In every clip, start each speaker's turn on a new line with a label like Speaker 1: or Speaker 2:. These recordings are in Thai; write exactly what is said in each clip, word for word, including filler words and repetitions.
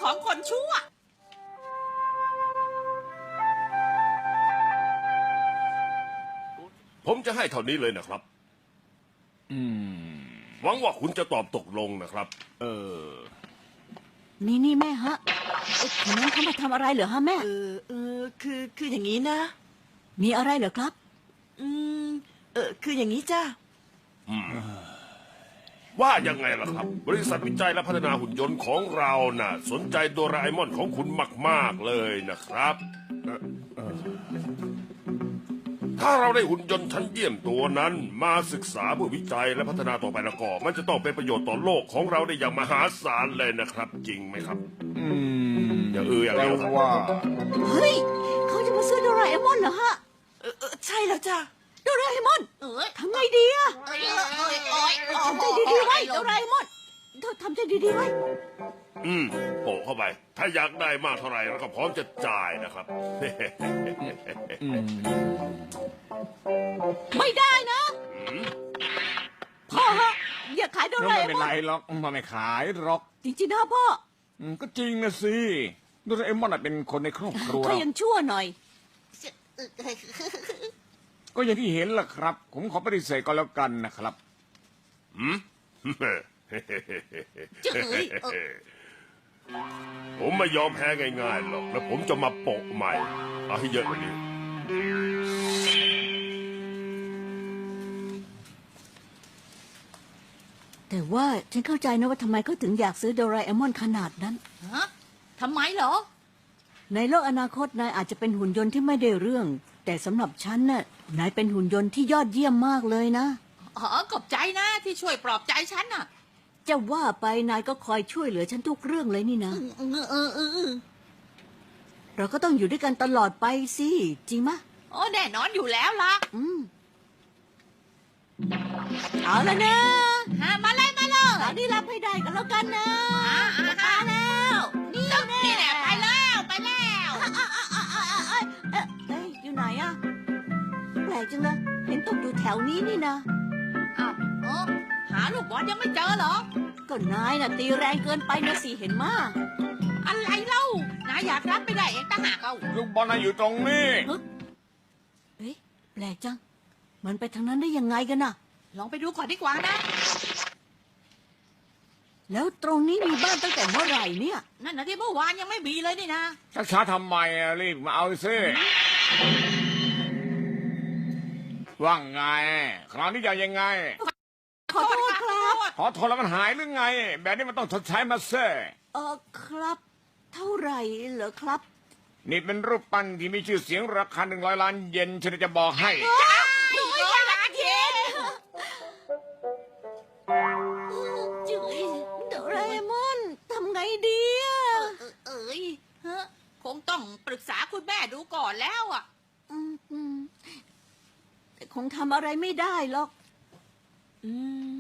Speaker 1: ของคนชั่ว
Speaker 2: ผมจะให้เท่านี้เลยนะครับ
Speaker 3: อืม
Speaker 2: หวังว่าคุณจะตอบตกลงนะครับ
Speaker 3: เออ
Speaker 4: นี่นี่แม่ฮะไอ้คนนั้นเขามาทำอะไรเหรอฮะแม่
Speaker 1: เออเออคือคืออย่างนี้นะ
Speaker 4: มีอะไรเหรอครับ
Speaker 1: อืมเออคืออย่างนี้จ้า
Speaker 2: ว่ายังไงล่ะครับ บริษัทวิจัยและพัฒนาหุ่นยนต์ของเราน่ะ สนใจโดราเอมอนของคุณมากๆเลยนะครับเอ่อเอ่อถ้าเราได้หุ่นยนต์ชั้นเยี่ยมตัวนั้น มาศึกษาเพื่อวิจัยและพัฒนาต่อไปแล้วก็มันจะต้องเป็นประโยชน์ต่อโลกของเราได้อย่างมหาศาลเลยนะครับ จริงไหมครับ
Speaker 3: อืม
Speaker 2: อย่าเอออย่าง
Speaker 3: แต่
Speaker 2: เดียวครับ
Speaker 3: ว่า
Speaker 4: เฮ้ยเขาจะมาซื้อโดราเอมอนเหรอฮะ
Speaker 1: เออเออใช่แล้วจ้า
Speaker 4: โดราเอมอน
Speaker 1: เอ้ย
Speaker 4: ทำไงดีอะ
Speaker 1: เอ้ยเอ้ยเอ้ย
Speaker 4: ทำใจดีๆไว้โดราเอมอนเธอทำใจดีๆไว้
Speaker 2: อืมโปะเข้าไป ถ้าอยากได้มากเท่าไหร่เราก็พร้อมจะจ่ายนะครับ
Speaker 3: อืม
Speaker 4: ไม่ได้นะพ่อฮะอย่าขายโดรา
Speaker 3: ไม่
Speaker 4: เอ
Speaker 3: เป็น
Speaker 4: มอ
Speaker 3: ไร
Speaker 4: น
Speaker 3: หรอกมันไม่ขายหรอก
Speaker 4: จริงๆนะพ่อ
Speaker 3: อืมก็จริงนะสิโดราเอมอนน่ะเป็นคนในครอบครัว
Speaker 4: ถ้ายังชั่วหน่อย
Speaker 3: ก็อย่างที่เห็นล่ะครับ ผมขอปฏิเสธก็แล้วกันนะครับ
Speaker 2: หืม
Speaker 1: เจ้ยเออ
Speaker 2: ผมไม่ยอมแพ้ง่ายๆหรอก แล้วผมจะมาโปะใหม่ เอาให้เยอะกว่านี้
Speaker 4: แต่ว่าฉันเข้าใจนะว่าทำไมเขาถึงอยากซื้อโดราเอมอนขนาดนั้น
Speaker 1: ฮะทำไมเหรอ
Speaker 4: ในโลกอนาคตนายอาจจะเป็นหุ่นยนต์ที่ไม่ได้เรื่อง แต่สำหรับฉันน่ะนายเป็นหุ่นยนต์ที่ยอดเยี่ยมมากเลยนะ
Speaker 1: อ๋อขอบใจนะที่ช่วยปลอบใจฉันน่ะ
Speaker 4: จะว่าไปนายก็คอยช่วยเหลือฉันทุกเรื่องเลยนี่นะ
Speaker 1: เออเออเออเออ
Speaker 4: เราก็ต้องอยู่ด้วยกันตลอดไปสิจริงมะ
Speaker 1: โอ้แน่นอนอยู่แล้วล่ะ
Speaker 4: อืมเอาละนะ
Speaker 1: ฮะมาเลยมาเลย
Speaker 4: ตอนนี้รับให้ได้กันแล้วกันนะ
Speaker 1: อ่าอ่า
Speaker 4: มาแล้วนี่แน่
Speaker 1: นี่แหละไปแล้วไปแล้ว
Speaker 4: เอ้ยเอ้ยเอ้ยอยู่ไหนอะแปลกจังเลยเห็นตกอยู่แถวนี้นี่นะ
Speaker 1: อ้าวเออหาลูกบอลยังไม่เจอเหรอ
Speaker 4: ก็นายน่ะตีแรงเกินไปนะสิเห็นมาก
Speaker 1: อะไรเล่านายอยากรับไม่ได้เองต่างหากเอา
Speaker 3: ลูกบอลน่ะอยู่ตรงนี้
Speaker 4: เอ๊ะแปลกจัง มันไปทางนั้นได้ยังไงกันน่ะ
Speaker 1: ลองไปดูก่อนดีกว่านะ
Speaker 4: แล้วตรงนี้มีบ้านตั้งแต่เมื่อไหร่เนี่ย
Speaker 1: นั่นนะที่เมื่อวานยังไม่มีเลยนี่นะ
Speaker 3: ช้าๆทำไมอะรีบมาเอาซิว่าไง คราวนี้จะยังไง
Speaker 4: ขอโทษครับ
Speaker 3: ขอโทษแล้วมันหายหรือไง แบบนี้มันต้องชดใช้มาเซ่
Speaker 4: เออครับ เท่าไหร่เหรอครับ
Speaker 3: นี่เป็นรูปปั้นที่มีชื่อเสียงราคาหนึ่งร้อยล้านเยนฉันจะบอกให้
Speaker 1: หนึ่งร้อยล้านเยน
Speaker 4: จุยโดราเอมอนทำไงดีอะ
Speaker 1: เอ้ยฮะคงต้องปรึกษาคุณแม่ดูก่อนแล้วอ่ะ
Speaker 4: อืมอืมแต่คงทำอะไรไม่ได้หรอก อืม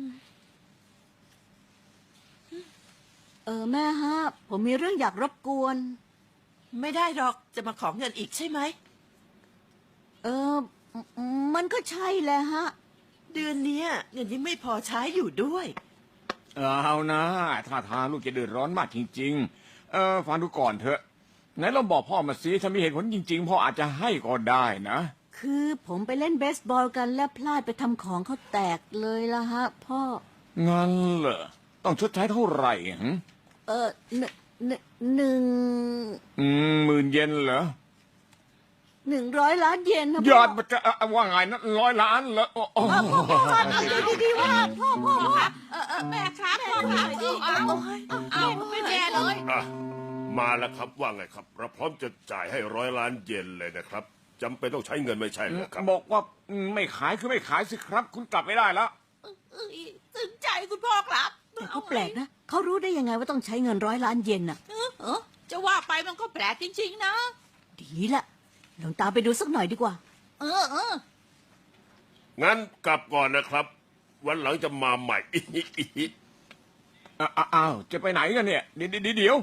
Speaker 4: เออแม่ฮะ ผมมีเรื่องอยากรบกวน
Speaker 5: ไม่ได้หรอกจะมาขอเงินอีกใช่ไหม
Speaker 4: เออ มันก็ใช่แหละฮะ
Speaker 5: เดือนเนี้ยเงินยังไม่พอใช้อยู่ด้วย
Speaker 3: เอานะถ้าทางลูกจะเดือดร้อนมากจริงๆ เออฟังดูก่อนเถอะไหนเราบอกพ่อมาสิถ้ามีเหตุผลจริงๆพ่ออาจจะให้ก็ได้นะ
Speaker 4: คือผมไปเล่นเบสบอลกันและพลาดไปทำของเขาแตกเลยละฮะ พ่อ
Speaker 3: งั้นเหรอต้องชดใช้เท่าไหร่หึ
Speaker 4: เออหนึ่งหนึ่งหนึ่ง
Speaker 3: อืมหมื่นเยนเหรอ
Speaker 4: หนึ่งร้อยล้านเยนนะ
Speaker 3: ย
Speaker 4: พ่
Speaker 3: อดมันจะเอ่อว่าไงนะร้อยล้านเหรอโอ้โห
Speaker 4: พ่อพ่อพ่อเอาดีๆว่าพ่อพ่อพ่อ
Speaker 1: เออเออแม่ครับพ่อครับเอาเอาเอาไม่แย่เลย
Speaker 2: อ่ะ มาแล้วครับว่าไงครับ เราพร้อมจะจ่ายให้ร้อยล้านเยนเลยนะครับจำเป็นต้องใช้เงินไม่ใช่เหรอครับ
Speaker 3: บอกว่าอืมไม่ขายคือไม่ขายสิครับ คุณกลับไม่ได้แล้ว
Speaker 1: เอ้ยถึงใจคุณพ่อครับ
Speaker 4: แต่เขาแปลกนะ เขารู้ได้ยังไงว่าต้องใช้เงินร้อยล้านเยนน่ะ
Speaker 1: เออเออจะว่าไปมันก็แปลกจริงๆนะ
Speaker 4: ดีละลองตามไปดูสักหน่อยดีกว่า
Speaker 1: เออเออ
Speaker 2: งั้นกลับก่อนนะครับ วันหลังจะมาใหม่
Speaker 3: อ้าอ้าวจะไปไหนกันเนี่ยเดี๋ยวเดี๋ยวเดี๋ยว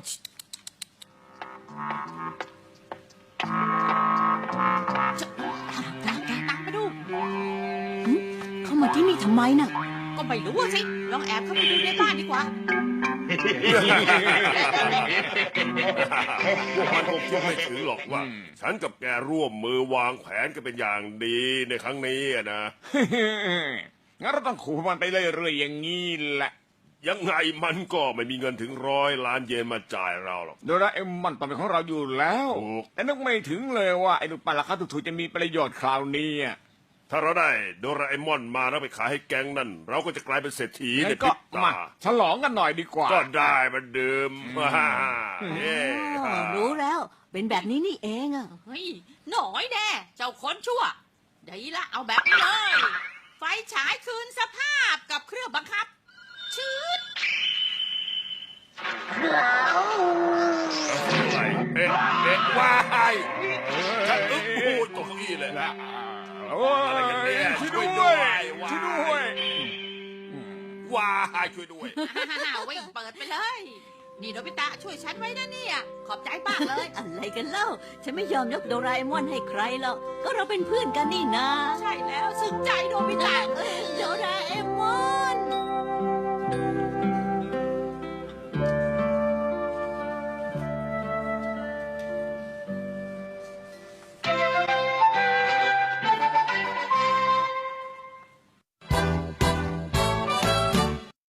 Speaker 1: ตามไปดู
Speaker 4: เข้ามาที่นี่ทำไมน่ะ
Speaker 1: ก็ไม่รู้อะสิ ลองแอบเข้าไปดูในบ้านดีกว่า
Speaker 4: เ
Speaker 2: พวกมันคงคิดไม่ถึงหรอกว่า ฉันกับแกร่วมมือวางแผนกันเป็นอย่างดีในครั้งนี้อะนะ
Speaker 3: งั้นเราต้องขู่มันไปเรื่อยๆอย่างนี้แหละ
Speaker 2: ยังไงมันก็ไม่มีเงินถึงร้อยล้านเยนมาจ่ายเราหรอก
Speaker 3: โดราเอมอนต้องเป็นของเราอยู่แล้ว
Speaker 2: ถูก
Speaker 3: แต่นึกไม่ถึงเลยว่าไอ้ลูกปั้นราคาถูกๆจะมีประโยชน์คราวนี้อะ
Speaker 2: ถ้าเราได้โดราเอมอนมาแล้วไปขายให้แก๊งนั่น เราก็จะกลายเป็นเศรษฐีใน
Speaker 3: งั้น
Speaker 2: พ
Speaker 3: ก็
Speaker 2: ริบ
Speaker 3: มา
Speaker 2: ตา
Speaker 3: ฉลองกันหน่อยดีกว่า
Speaker 2: ก็ได้มาดื่มฮ่าเย้
Speaker 4: อ๋อรู้แล้ว เป็นแบบนี้นี่เองอะ
Speaker 1: เฮ้ยหน่อยแน่เจ้าคนชั่วดีละเอาแบบนี้เลย ไฟฉายคืนสภาพกับเครื่องบังคับ ชืด
Speaker 2: อะไรเอ๊ะเอ๊ะว้ายฉันอึ้งโอ้ยตกเก้าอี้เลย
Speaker 3: โอ้ย
Speaker 2: อะไรกันเนี่ย
Speaker 3: ช่วย
Speaker 2: ช่
Speaker 3: ด้
Speaker 2: ว
Speaker 3: วย ย
Speaker 2: ด้วย
Speaker 3: ช่วยด้วย
Speaker 2: ว้ายช่วยด้วย
Speaker 1: ฮ่าๆวิ่งเปิดไปเลย นี่โนบิตะช่วยฉันไว้นะเนี่ย ขอบใจมากเลย
Speaker 4: อะไรกันเล่า ฉันไม่ยอมยกโดราเอมอนให้ใครหรอก ก็เราเป็นเพื่อนกันนี่นา
Speaker 1: ใช่แล้วสึกใจโนบิ